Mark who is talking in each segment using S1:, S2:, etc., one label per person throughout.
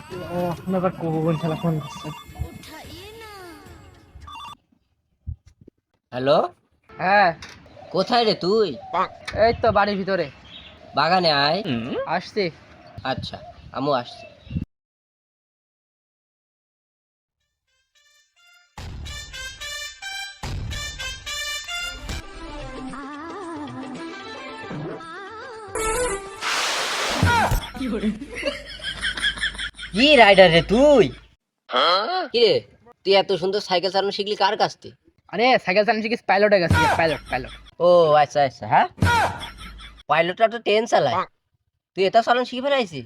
S1: ও এখন আবার কোন শালা ফোন করছে?
S2: হ্যালো,
S1: হ্যাঁ,
S2: কোথায় রে তুই?
S1: এই তো বাড়ির ভিতরে
S2: বাগানে আয়।
S1: আসছি।
S2: আচ্ছা, আমিও আসছি। কি রাইডার রে তুই? কি রে, তুই এত সুন্দর সাইকেল চালানো শিখলি কার কাছ থেকে?
S1: আরে সাইকেল চালানো শিখিস, পাইলটের কাছে, পাইলট পাইলট।
S2: ও আচ্ছা আচ্ছা, হ্যাঁ, পাইলটরা তো ট্রেন চালায়, তুই এটা চালানো শিখে ফেলাইছি?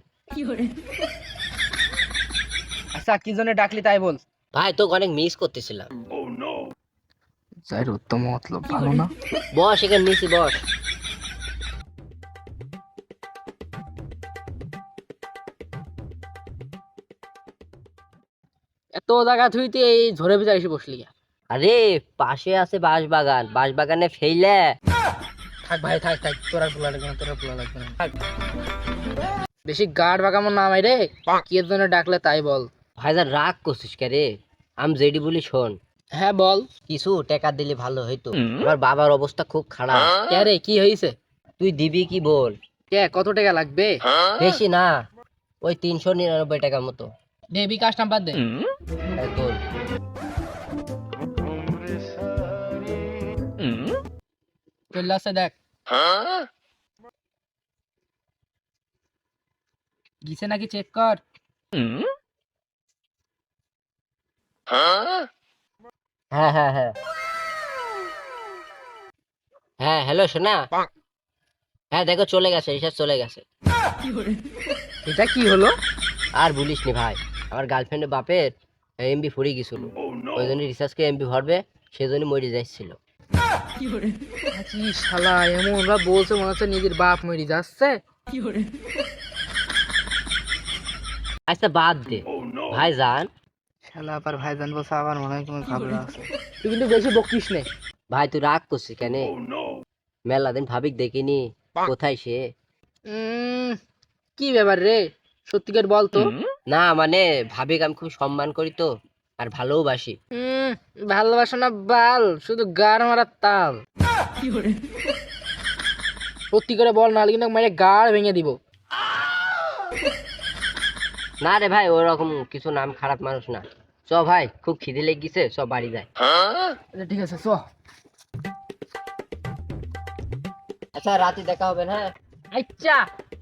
S1: আচ্ছা, কি জন্য ডাকলি তাই বল।
S2: ভাই তোকে অনেক মিস করতেছিলাম।
S1: যাই উত্তম মতলব ভালো না।
S2: বস এখানে নিচে বস।
S1: এত জায়গা তুই তুই এই ঝড়ে ভিতরে এসে বসলি কেন?
S2: আরে পাশে আছে বাঁশবাগান, বাঁশবাগানে ফেইলে।
S1: থাক ভাই, থাক থাক, তোর আর বলা লাগবে না, তোর আর বলা লাগবে না, থাক। বেশি গাড় বাগামো না মাই রে, কি এর জন্য ডাকলে তাই বল।
S2: ভাইজান রাগ করছিস কে রে? আমি যেডি বলি শোন,
S1: হ্যাঁ বল।
S2: কিছু টাকা দিলে ভালো হইতো, আমার বাবার অবস্থা খুব খারাপ।
S1: কে রে, কি হয়েছে?
S2: তুই দিবি কি বল?
S1: কে, কত টাকা লাগবে?
S2: বেশি না, ওই 399 টাকার মতো।
S1: দে বিকাশ নাম্বার দে।
S2: এই তোর।
S1: চলে আসছে দেখ, গিছে নাকি চেক কর।
S2: হ্যাঁ হ্যাঁ হ্যাঁ হ্যাঁ, হ্যালো সোনা। হ্যাঁ দেখো চলে গেছে, রিচার্জ চলে গেছে।
S1: এটা কি হলো?
S2: আর বলিস নি ভাই, আমার গার্লফ্রেন্ডের বাপের এমবি ফুরিয়ে গেছিল, ওই জন্য রিচার্জকে এমবি ভরবে, সেই জন্য মরে যাচ্ছিল।
S1: কি শালা এমন ওরা বলছে, মনে হচ্ছে নিজের বাপ মরি যাচ্ছে।
S2: আচ্ছা বাদ দে ভাই যান।
S1: শালা আবার ভাইজান বলছে, আবার মনে হয় কোনো ঘাবড়া আছে। তুই কিন্তু বেশি বকিস নে।
S2: ভাই তুই রাগ করছিস কেন? মেলা দিন ভাবিক দেখিনি, কোথায় সে?
S1: উম, কি ব্যাপার রে, সত্যিকার বল তো।
S2: না মানে ভাবিক আমি খুব সম্মান করি তো, আর ভালোবাসি।
S1: উম, ভালোবাসা না বাল, শুধু গাড় মারার তাল। সত্যি করে বল, নাহলে কিন্তু মেরে গাড় ভেঙে দিব।
S2: না রে ভাই, ওরকম কিছু নাম খারাপ মানুষ না। চ ভাই, খুব খিদে লেগে গেছে, সব বাড়ি যায়।
S1: আচ্ছা, ঠিক আছে চ।
S2: আচ্ছা রাতে দেখা হবে না?
S1: আচ্ছা।